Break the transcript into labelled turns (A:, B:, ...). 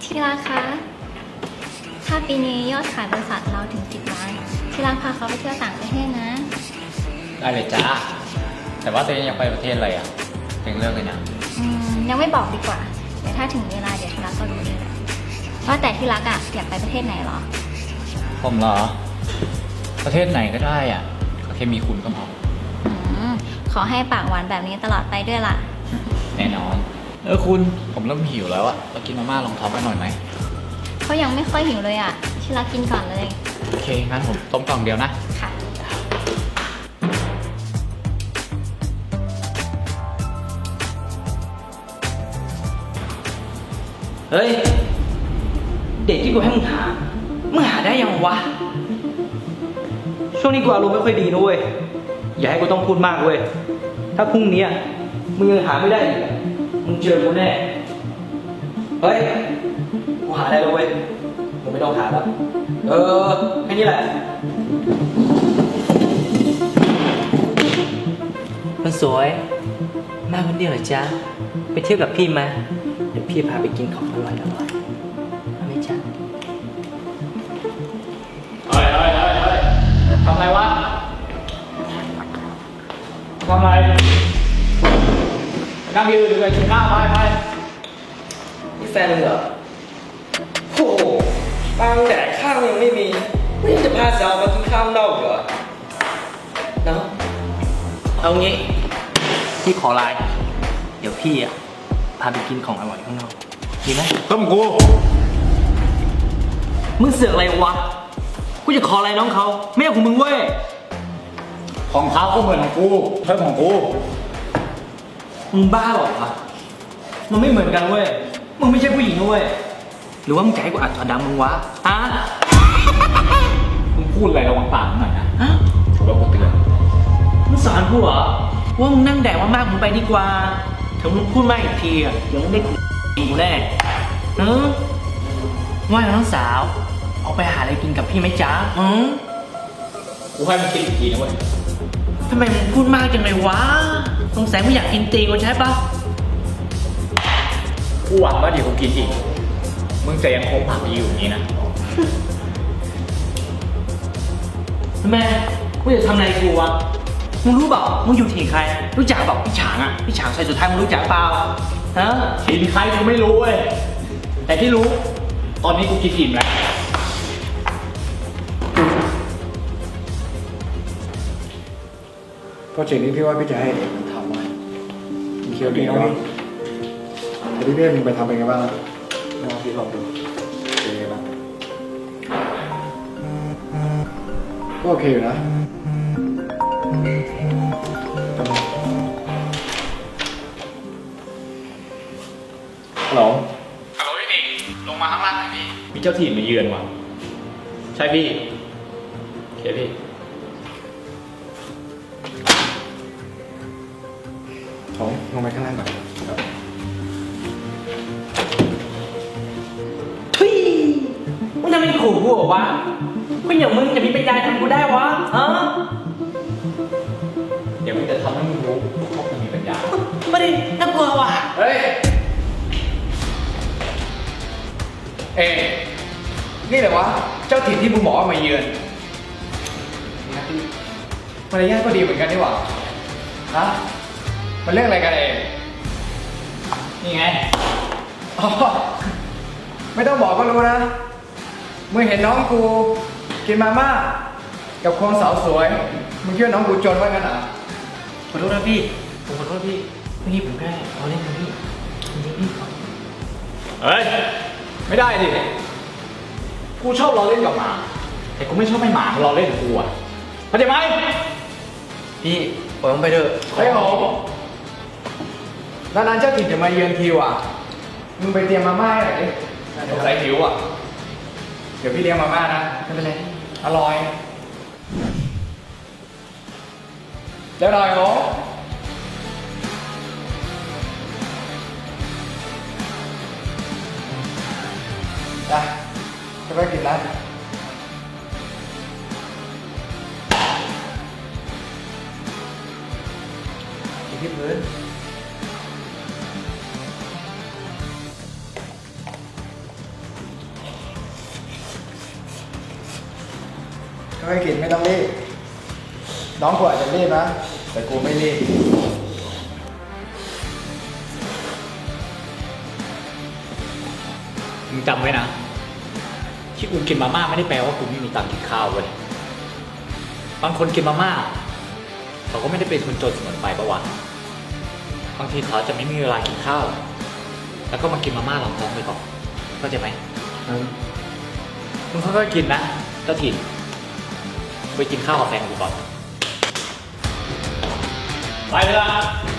A: ที่รักคะถ้าปีนี้ยอดขายบริษัทเราถึง10 ล้านที่รักพาเขาไปเที่ยวต่างประเทศนะ
B: ได้เลยจ้าแต่ว่าตัวเองอยากไปประเทศอะไรอ่ะเองเลือกเลยนะ
A: ยังไม่บอกดีกว่าเดี๋ยวถ้าถึงเวลาเดี๋ยวที่รักก็รู้เองแหละว่าแต่ที่รักอะอยากไปประเทศไหนหรอ
B: ผมเหรอประเทศไหนก็ได้อ่ะก็แค่มีคุณก็พอ
A: ขอให้ปากหวานแบบนี้ตลอดไปด้วยล่ะ
B: แน่นอนคุณผมเริ่มหิวแล้วอ่ะเรากินมาม่าลองท้องกันหน่อยไหม
A: เขายังไม่ค่อยหิวเลยอะที่รักกินก่อนเลย
B: โอเคงั้นผมต้มกล่องเดียวนะ
A: ค่ะ
C: เฮ้ย เด็กที่กูให้มึงหาได้ยังวะ ช่วงนี้กูอารมณ์ไม่ค่อยดีนะเว้ย อย่าให้กูต้องพูดมากเว้ย ถ้าพรุ่งนี้มึงยังหาไม่ได้อีกอะมึงเจอกูแน่ เฮ้ย กูหาได้แล้วเว้ย มึงไม่ต้องหาแล้ว แค่นี้แหละ มันสวย มาคนเดียวเหรอจ๊ะ ไปเที่ยวกับพี่ไหมเดี๋ยวพี่พาไปกินของอร่อยๆเอาไหมจ๊ะ
B: เฮ้ยทำอะไรวะทำอะไรนั่งยืนดูเลยกินข้าวไป
C: นี่แฟนมึงเหรอโอ้โหตังค์แดกข้าวยังไม่มีไม่จะพาสาวมากินข้าวนอกเหรอเนาะเอางี้ พี่ขอไลน์เดี๋ยวพี่พาไปกินของอร่อยข้างนอกดีไหม
B: ต้มกู
C: มึงเสือกอะไรวะ กูจะขออะไรน้องเขาไม่ใช่ของมึงเว้ย
B: ของเขาก็เหมือนของกูเพิ่มของกู
C: มึงบ้าเหรอวะมันไม่เหมือนกันเว้ย มึงไม่ใช่ผู้หญิงนะเว้ย หรือว่ามึงจะให้กูอัดถอดดังมึงวะฮะ
B: มึงพูดอะไรระวังปากหน่อยนะ
C: ฮะ
B: ถือว่ากูเตือน
C: มึงสอนกูเหรอว่ามึงนั่งแดกมากๆมึงไปดีกว่าถึงมึงพูดมากอีกทีเดี๋ยวมึงได้กูแน่ว่าน้องสาวเอาไปหาอะไรกินกับพี่ไหมจ๊ะ
B: กูให้มันคิดอีกทีนะเว้ย
C: ทำไมมึงพูดมากจังเลยวะสงสัยมึงอยากกินตีกูใช่ปะ
B: กูหวังว่าเดี๋ยวกูกินอีก มึงจะยังคงผักอยู่อย่างนี้นะ
C: ทำไมกูจะทำอะไรกูวะมึงรู้เปล่ามึงอยู่ที่ใครรู้จักเปล่าพี่ฉางพี่ฉางใส่สุดท้ายมึงรู้จักเปล่าฮะ
B: กินใครกูไม่รู้เว้ย แต่ที่รู้ ตอนนี้กูกินอิ่มแล้ว
D: โปรเจกต์นี้พี่ว่าพี่จะให้เอกมันทำมามีเคียวดีเนาะแต่พี่เป้มึงไปทำเป็นไงบ้างล่ะลองพี่ลองดูเป็นไงบ้างก็โอเคอยู่นะฮัลโหล
B: ฮัลโหลพี่ลงมาข้างล่างหน่อยพี่ มีเจ้าถิ่นมาเยือนว่ะ ใช่พี่โอเคพี่
D: ของลงไปข้างล่างก่อนครับ
C: ทุยมึงทำไมขู่กูเหรอวะคนอย่างมึงจะมีปัญญาทำกูได้วะฮะ
B: เดี๋ยวมึงจะทำให้มึงรู้ว่ามึงมีปัญญา
C: ไม่ได้น่ากลัวว่ะ
B: เฮ้ย นี่แหละวะ เจ้าถิ่นที่มึงบอกว่ามาเยือนมารยาทก็ดีเหมือนกันนี่หว่าฮะ มันเรื่องอะไรกันนี่ไงอ๋อไม่ต้องบอกก็รู้นะ มึงเห็นน้องกูกินมาม่ากับคนสาวสวย มึงคิดว่าน้องกูจนว่างั้นเหรอ
C: ขอโทษนะพี่ ผมขอโทษพี่เมื่อกี้ผมแค่เอาเล่นนะพี่จริงๆพี่
B: เฮ้ย ไม่ได้ดิ กูชอบล้อเล่นกับหมา แต่กูไม่ชอบให้หมาล้อเล่นกับกูอ่ะเข้าใจไหม
C: พี่ปล่อยผมไปเถอะ
B: เฮ้ยโหนานๆเจ้าถิ่นจะมาเยือนทีว่ะ มึงไปเตรียมมาม่าให้หน่อยดิสงสัยหิวอ่ะ เดี๋ยวพี่เลี้ยงมาม่านะ
C: ไม่เป็นไร
B: อร่อยเดี๋ยวหน่อยโหจ้ะจะไปกินร้านกินที่พื้น
D: ค่อยๆกินไม่ต้องรีบ น้องกูอาจจะรีบนะ แต่กูไม่รีบ
B: มึงจำไว้นะ ที่กูกินมาม่าไม่ได้แปลว่ากูไม่มีตังค์กินข้าวเว้ย บางคนกินมาม่าเขาก็ไม่ได้เป็นคนจนเสมอไปปะวะ บางทีเขาจะไม่มีเวลากินข้าว แล้วก็มากินมาม่ารองท้องไปก่อนเข้าใจไหมมึงค่อยๆกินนะเจ้าถิ่นไปกินข้าวกับแฟนกูก่อน ไปเลยละ